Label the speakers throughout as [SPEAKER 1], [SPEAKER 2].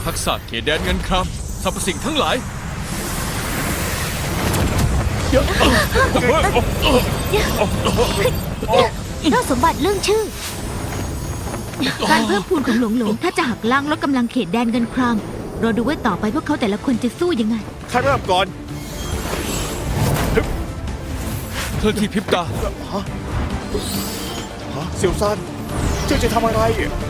[SPEAKER 1] ทักษะเขตแดนเงินครามสรรพสิ่งทั้งหลาย
[SPEAKER 2] เล่าสมบัติเรื่องชื่อ การเพิ่มพูนของหลงถ้าจะหักล้างลดกำลังเขตแดนเงินครามรอดูว่าต่อไปพวกเขาแต่ละคนจะสู้ยังไง
[SPEAKER 3] ใครเริ่มก่อน
[SPEAKER 1] เคลื่อนที่พริบตา
[SPEAKER 3] เซียวซันเจ้าจะทำอะไร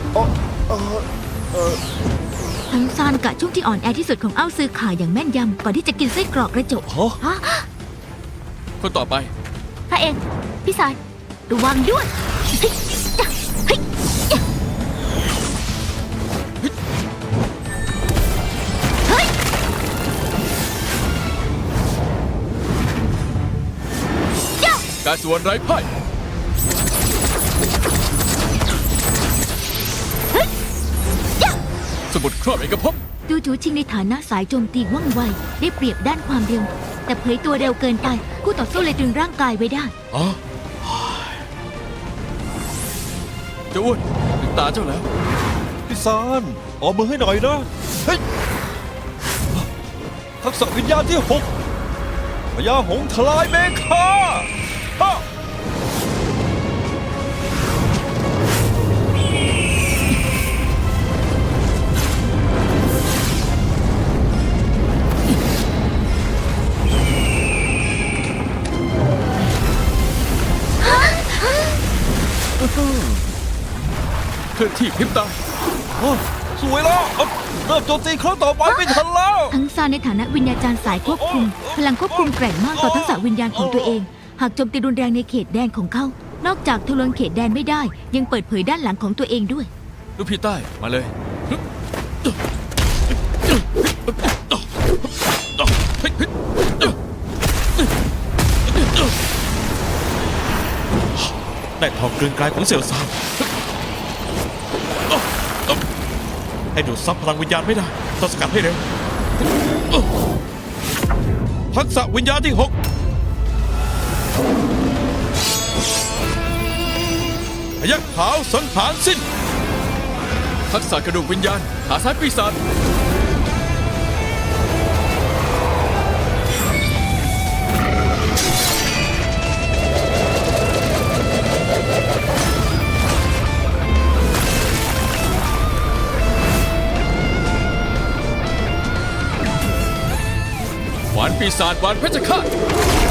[SPEAKER 2] ทั้งซานกะช่วงที่อ่อนแอที่สุดของเอ้าซื้อข่าอย่างแม่นยำก่อนที่จะกินไส้กรอกกระจกฮะ
[SPEAKER 1] คนต่อไป
[SPEAKER 2] พระเองพี่สายระวังด้วยเฮ้ยจ้ะเฮ้ยจ้ะเฮ้ย
[SPEAKER 1] การสวนไร้พ่าย สมุดครอบเอกภพ
[SPEAKER 2] ดูจูชิงในฐานะสายโจมตีว่องไวได้เปรียบด้านความเร็ว แต่เผยตัวเร็วเกินไปคู่ต่อสู้เลยดึงร่างกายไว้ได้
[SPEAKER 1] อ๋อเจ้าอ้วนถึงตาเจ้าแล้ว
[SPEAKER 4] พี่ซานออกมือให้หน่อยนะเฮ้ยทักษะวิญญาณที่6พญาหงส์ทลายเมฆาฮะ
[SPEAKER 1] เคลื่อนที่พริบตา
[SPEAKER 4] โอ้สวยแล้วเริ่มโจมตีครั้งต่อไปไม่ทันแล้ว
[SPEAKER 2] ทั้งซานในฐานะวิญญาจารย์สายควบคุม พลังควบคุมแกร่งมากต่อทักษะวิญญาณของตัวเอง หากโจมตีรุนแรงในเขตแดนของเขา นอกจากทะลวงเขตแดนไม่ได้ ยังเปิดเผยด้านหลังของตัวเองด้วย
[SPEAKER 1] ลูกพี่ใต้มาเลย
[SPEAKER 4] ได้ทองกลืนกลายของเสี่ยวซานให้ดูดซับพลังวิญญาณไม่ได้ต้องสกัดให้เร็วทักษะวิญญาณที่6พยัคฆ์ขาวสังหารสิ้น
[SPEAKER 1] ทักษะกระดูกวิญญาณขาซ้ายปีศาจหวานปีศาจหวานเพชรฆาต